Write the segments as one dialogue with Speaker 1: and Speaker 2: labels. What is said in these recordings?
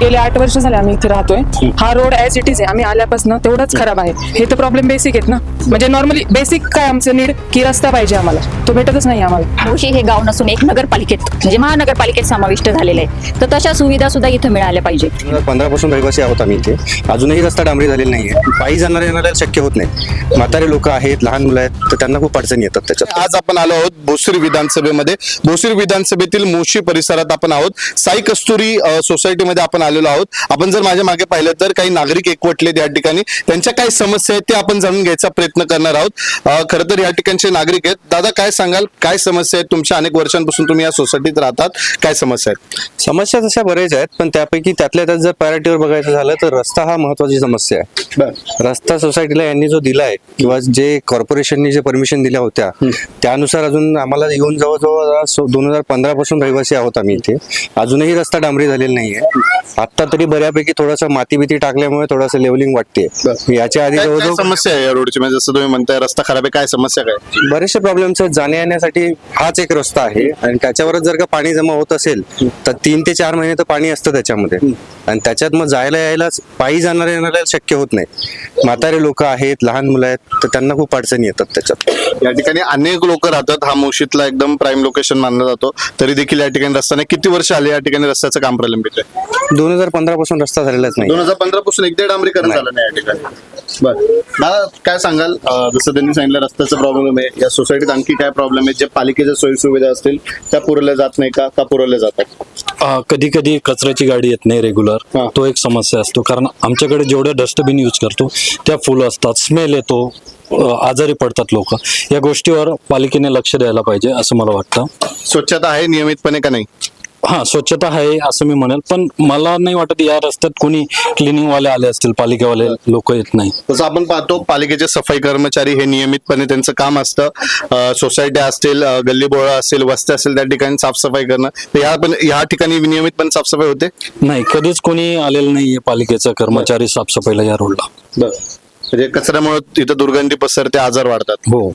Speaker 1: गेले 8 वर्ष झाले आम्ही इथे राहतोय. हा रोड ऍज इट इज आहे. आम्ही आल्यापासून तेवढाच खराब आहे. हे तर प्रॉब्लेम बेसिक आहेत ना. म्हणजे नॉर्मली बेसिक काय आमचं नीड की रस्ता पाहिजे आम्हाला, तो भेटतच नाही आम्हाला.
Speaker 2: मोशी हे गाव नसून एक नगरपालिकेत म्हणजे महानगरपालिकेत समाविष्ट झालेलं आहे. तर तशा सुविधा सुद्धा इथं मिळाल्या पाहिजे.
Speaker 3: 2015 पासून रहिवासी आहोत आम्ही इथे. अजूनही रस्ता डांबरी झालेला नाहीये. पायी जाणारे येणाऱ्या शक्य होत नाही. म्हातारे लोक आहेत, लहान मुलं आहेत, तर त्यांना खूप अडचणी येतात त्याच्यात.
Speaker 4: आज आपण आलो आहोत भोसरी विधानसभेमध्ये. भोसरी विधानसभेतील मोशी परिसरात आपण आहोत. साई कस्तुरी सोसायटीमध्ये आपण आलेलो आहोत. आपण जर माझ्या मागे पाहिलं तर काही नागरिक एकवटलेत या ठिकाणी. त्यांच्या काय समस्या आहेत ते आपण जाणून घ्यायचा प्रयत्न करणार आहोत. खरं तर या ठिकाणचे नागरिक आहेत. दादा, काय सांगाल, काय समस्या आहेत तुमच्या? अनेक वर्षांपासून तुम्ही या सोसायटीत राहतात, काय समस्या आहेत?
Speaker 3: समस्या तशा बऱ्याच आहेत, पण त्यापैकी त्यातल्या त्यात जर प्रायोरिटीवर बघायचं झालं तर रस्ता हा महत्वाची समस्या आहे. रस्ता सोसायटीला यांनी जो दिलाय किंवा जे कॉर्पोरेशननी जे परमिशन दिल्या होत्या त्यानुसार अजून आम्हाला येऊन जवळजवळ 2015 पासून रहिवासी आहोत आम्ही इथे. अजूनही रस्ता डांबरी झालेला नाहीये. आता तरी बऱ्यापैकी थोडासा माती बिती टाकल्यामुळे थोडंसं लेवलिंग वाटते. याच्या आधी
Speaker 4: काय
Speaker 3: जवळजवळ
Speaker 4: समस्या आहे या रोडची? म्हणजे जसं तुम्ही म्हणताय रस्ता खराब आहे, काय समस्या काय?
Speaker 3: बरेचसे प्रॉब्लेम्स आहेत. जाण्या येण्यासाठी हाच एक रस्ता आहे आणि त्याच्यावरच जर का पाणी जमा होत असेल तर 3 ते 4 महिने तर पाणी असतं त्याच्यामध्ये. आणि त्याच्यात मग जायला यायला पायी जाणाऱ्या येणाऱ्या शक्य होत नाही. म्हातारे लोक आहेत, लहान मुलं आहेत, तर त्यांना खूप अडचणी येतात त्याच्यात.
Speaker 4: या ठिकाणी अनेक लोक राहतात. हा मोशीतला एकदम प्राईम लोकेशन मानला जातो. तरी देखील या ठिकाणी रस्ता नाही. किती वर्ष आले या ठिकाणी रस्त्याचं काम प्रलंबित आहे?
Speaker 3: 2015 पासून रस्ता झालेलाच नाही.
Speaker 4: 2015 पासून एकदा डांबरीकरण झालं नाही या ठिकाणी. बरं दादा, काय सांगाल, जसं त्यांनी सांगितलं रस्त्याचा प्रॉब्लेम आहे, या सोसायटीत आणखी काय प्रॉब्लेम आहे? जे पालिकेच्या सोयी सुविधा असतील त्या पुरवल्या जात नाही का पुरवल्या जातात?
Speaker 5: कधी कधी कचऱ्याची गाडी येत नाही रेग्युलर. तो एक समस्या असतो, कारण आमच्याकडे जेवढे डस्टबिन यूज करतो त्या फुल असतात, स्मेल येतो, आजारी पडतात लोक. या गोष्टीवर पालिकेने लक्ष द्यायला पाहिजे असं मला वाटतं.
Speaker 4: स्वच्छता आहे नियमितपणे का नाही?
Speaker 5: हा, स्वच्छता आहे असं मी म्हणेल, पण मला नाही वाटत या रस्त्यात कोणी क्लिनिंग वाले आले असतील. पालिकेवाले लोक येत नाही.
Speaker 4: तसं आपण पाहतो पालिकेचे सफाई कर्मचारी हे नियमितपणे त्यांचं काम असतं. सोसायट्या असतील, गल्लीबोळा असेल, वस्त्या असेल, त्या ठिकाणी साफसफाई करणं. तर या ठिकाणी नियमितपणे साफसफाई होते?
Speaker 5: नाही, कधीच कोणी आलेलं नाहीये पालिकेचा कर्मचारी साफसफाईला या रोडला.
Speaker 4: म्हणजे कचऱ्यामुळे तिथं दुर्गंधी पसरते, आजार वाढतात.
Speaker 5: हो.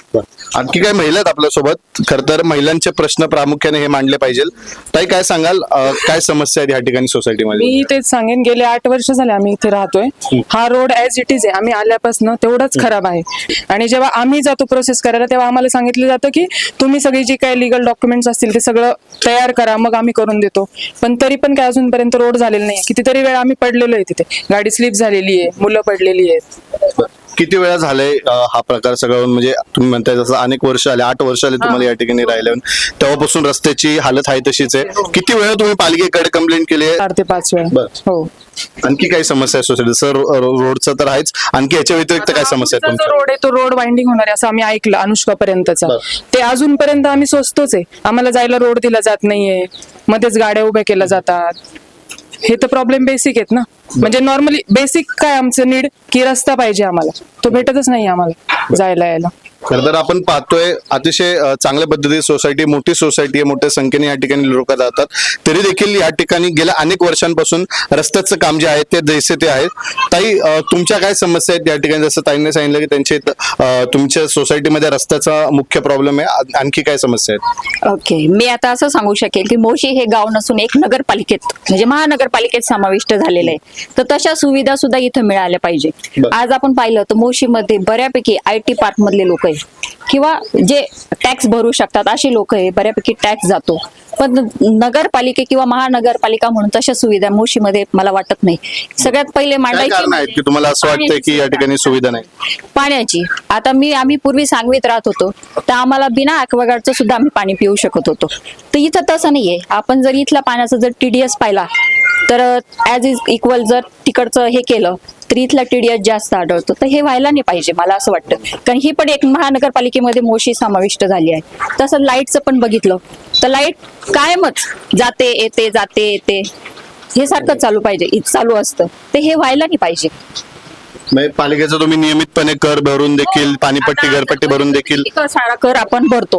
Speaker 4: आणखी काही महिला आहेत आपल्यासोबत. खर तर महिलांचे प्रश्न प्रामुख्याने हे मांडले पाहिजे. ताई, काय सांगाल, काय समस्या आहेत या ठिकाणी सोसायटीमध्ये?
Speaker 1: मी तेच सांगेन, गेले 8 वर्ष झाले आम्ही इथे राहतोय. हा रोड ऍज इट इज आहे. आम्ही आल्यापासून तेवढाच खराब आहे. आणि जेव्हा आम्ही जातो प्रोसेस करायला तेव्हा आम्हाला सांगितलं जातं की तुम्ही सगळी जी काही लिगल डॉक्युमेंट्स असतील ते सगळं तयार करा, मग आम्ही करून देतो. पण तरी पण काय अजूनपर्यंत रोड झालेला नाही. कितीतरी वेळा आम्ही पडलेलो आहे तिथे. गाडी स्लिप झालेली आहे, मुलं पडलेली आहेत.
Speaker 4: किती वेळा झालाय हा प्रकार सगळं? म्हणजे तुम्ही म्हणताय जसं अनेक वर्ष आले, 8 वर्ष आले तुम्हाला या ठिकाणी राहिले, तेव्हापासून रस्त्याची हालत आहे तशीच आहे. किती वेळा तुम्ही पालिकेकडे कंप्लेंट केली आहे?
Speaker 1: 4 ते 5 वेळा.
Speaker 4: बरं.
Speaker 1: हो.
Speaker 4: आणखी काही समस्या आहे सोसायटी? सर, रोडचं तर आहेच, आणखी याच्या व्यतिरिक्त काय समस्या आहे तुमच्या?
Speaker 1: रोड आहे तो रोड वाइंडिंग होणार आहे असं आम्ही ऐकलं अनुष्कापर्यंतचा. ते अजूनपर्यंत आम्ही सोचतोच आहे. आम्हाला जायला रोड दिला जात नाहीये, मध्येच गाड्या उभ्या केल्या जातात. हे तर प्रॉब्लेम बेसिक आहेत ना. म्हणजे नॉर्मली बेसिक काय आमचं नीड की रस्ता पाहिजे आम्हाला, तो भेटतच नाही आम्हाला जायला यायला.
Speaker 4: खरं तर आपण पाहतोय अतिशय चांगल्या पद्धतीची सोसायटी, मोठी सोसायटी आहे, मोठ्या संख्येने या ठिकाणी लोक जातात. तरी देखील या ठिकाणी गेल्या अनेक वर्षांपासून रस्त्याचं काम जे आहे ते जैसे ते आहे. ताई, तुमच्या काय समस्या आहेत या ठिकाणी? जसं ताईंनी सांगितलं की त्यांच्या तुमच्या सोसायटीमध्ये रस्त्याचा मुख्य प्रॉब्लेम आहे, आणखी काय समस्या आहेत?
Speaker 2: ओके, मी आता असं सांगू शकेल की मोशी हे गाव नसून एक नगरपालिकेत म्हणजे महानगरपालिकेत समाविष्ट झालेलं आहे. तर तशा सुविधा सुद्धा इथं मिळाल्या पाहिजे. आज आपण पाहिलं तर मोशीमध्ये बऱ्यापैकी IT पार्क मधले लोक आहे किंवा जे टॅक्स भरू शकतात अशी लोक आहे, बऱ्यापैकी टॅक्स जातो. पण नगरपालिका किंवा महानगरपालिका म्हणून तशा सुविधा मोशीमध्ये मला वाटत नाही. सगळ्यात पहिले
Speaker 4: काय कारण आहेत
Speaker 2: मांडायची
Speaker 4: की तुम्हाला असं वाटतंय की या ठिकाणी सुविधा नाही?
Speaker 2: पाण्याची. आता आम्ही पूर्वी सांगवीत राहत होतो तर आम्हाला बिना ॲक्वागार्डचं सुद्धा आम्ही पाणी पिऊ शकत होतो. तर इथं तसं नाहीये. आपण जर इथला पाण्याचा जर TDS पाहिला तर ॲज इज इक्वल जर तिकडचं हे केलं तर इथला TDS जास्त आढळतो. तर हे व्हायला नाही पाहिजे मला असं वाटतं. कारण ही पण एक महानगरपालिकेमध्ये मोशी समाविष्ट झाली आहे. तसं लाईटचं पण बघितलं तर लाईट कायमच जाते येते जाते येते, हे सारखं चालू पाहिजे, चालू असतं. ते हे व्हायला नाही पाहिजे.
Speaker 4: म्हणजे पालिकेचा तुम्ही नियमितपणे कर भरून देखील, पाणीपट्टी, घरपट्टी भरून देखील
Speaker 2: सारा कर आपण भरतो.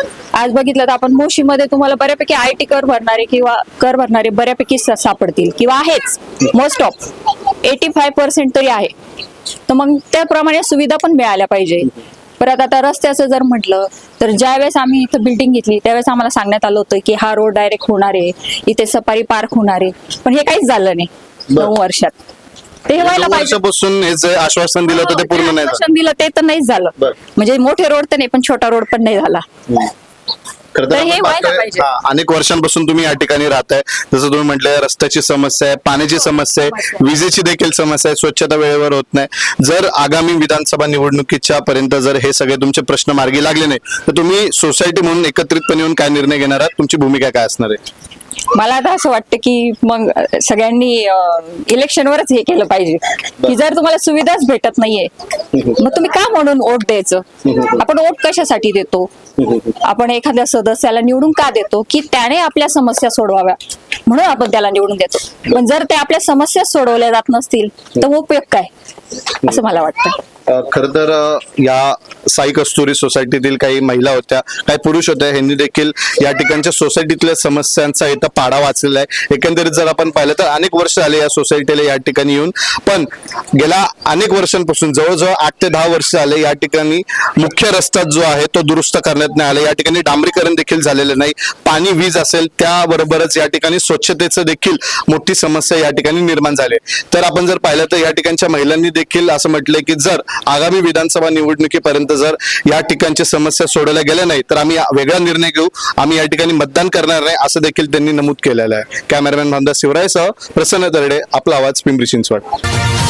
Speaker 2: आज बघितलं तर आपण मोशीमध्ये तुम्हाला बऱ्यापैकी IT कर भरणारे किंवा कर भरणारे बऱ्यापैकी सापडतील किंवा आहेच. मोस्ट ऑफ 85% तरी आहे. तर मग त्याप्रमाणे सुविधा पण मिळाल्या पाहिजे. परत आता रस्त्याचं जर म्हटलं तर ज्यावेळेस आम्ही इथं बिल्डिंग घेतली त्यावेळेस आम्हाला सांगण्यात आलं होतं की हा रोड डायरेक्ट होणार आहे, इथे सफारी पार्क होणार आहे, पण हे काहीच झालं नाही 9 वर्षात. ते हे व्हायला
Speaker 4: 9
Speaker 2: पाहिजे.
Speaker 4: वर्षापासून हे जे आश्वासन दिलं होतं ते पूर्ण नाही झालं.
Speaker 2: आश्वासन दिलं ते तर नाहीच झालं.
Speaker 4: बरं.
Speaker 2: म्हणजे मोठे रोड तर नाही पण छोटा रोड पण नाही झाला.
Speaker 4: खरं तर
Speaker 2: तर हे
Speaker 4: आपण
Speaker 2: व्हायला
Speaker 4: पाहतोय,
Speaker 2: पाहिजे.
Speaker 4: अनेक वर्षांपासून तुम्ही या ठिकाणी राहताय. जसं तुम्ही म्हटलं रस्त्याची समस्या आहे, पाण्याची समस्या आहे, विजेची देखील समस्या आहे, स्वच्छता वेळेवर होत नाही. जर आगामी विधानसभा निवडणुकीच्या पर्यंत जर हे सगळे तुमचे प्रश्न मार्गी लागले नाही तर तुम्ही सोसायटी म्हणून एकत्रितपणे येऊन काय निर्णय घेणार आहात? तुमची भूमिका काय असणार आहे?
Speaker 2: मला आता असं वाटतं की मग सगळ्यांनी इलेक्शनवरच हे केलं पाहिजे की जर तुम्हाला सुविधाच भेटत नाहीये मग तुम्ही का म्हणून वोट द्यायचं? आपण वोट कशासाठी देतो? आपण एखाद्या सदस्याला निवडून का देतो? की त्याने आपल्या समस्या सोडवाव्या म्हणून आपण त्याला निवडून देतो. पण जर ते आपल्या समस्या सोडवल्या जात नसतील तर उपयोग काय, असं मला वाटतं.
Speaker 4: खरं तर या साई कस्तुरी सोसायटीतील काही महिला होत्या, काही पुरुष होत्या, ह्यांनी देखील या ठिकाणच्या सोसायटीतल्या समस्यांचा इथं पाढा वाचलेला आहे. एकंदरीत जर आपण पाहिलं तर अनेक वर्ष झाले या सोसायटीला या ठिकाणी येऊन, पण गेल्या अनेक वर्षांपासून जवळजवळ 8 ते 10 वर्ष झाले या ठिकाणी मुख्य रस्ता जो आहे तो दुरुस्त करण्यात नाही आला. या ठिकाणी डांबरीकरण देखील झालेलं नाही. पाणी, वीज असेल त्याबरोबरच या ठिकाणी स्वच्छतेचं देखील मोठी समस्या या ठिकाणी निर्माण झाली. तर आपण जर पाहिलं तर या ठिकाणच्या महिलांनी देखील असं म्हटलंय की जर आगामी विधानसभा निवडणुकीपर्यंत जर या ठिकाणच्या समस्या सोडवल्या गेल्या नाही तर आम्ही वेगळा निर्णय घेऊ, आम्ही या ठिकाणी मतदान करणार नाही, असं देखील त्यांनी नमूद केलेलं आहे. कॅमेरामॅन भामदास शिवरायसह प्रसन्न तरडे, आपला आवाज, पिंपरी चिंचवड.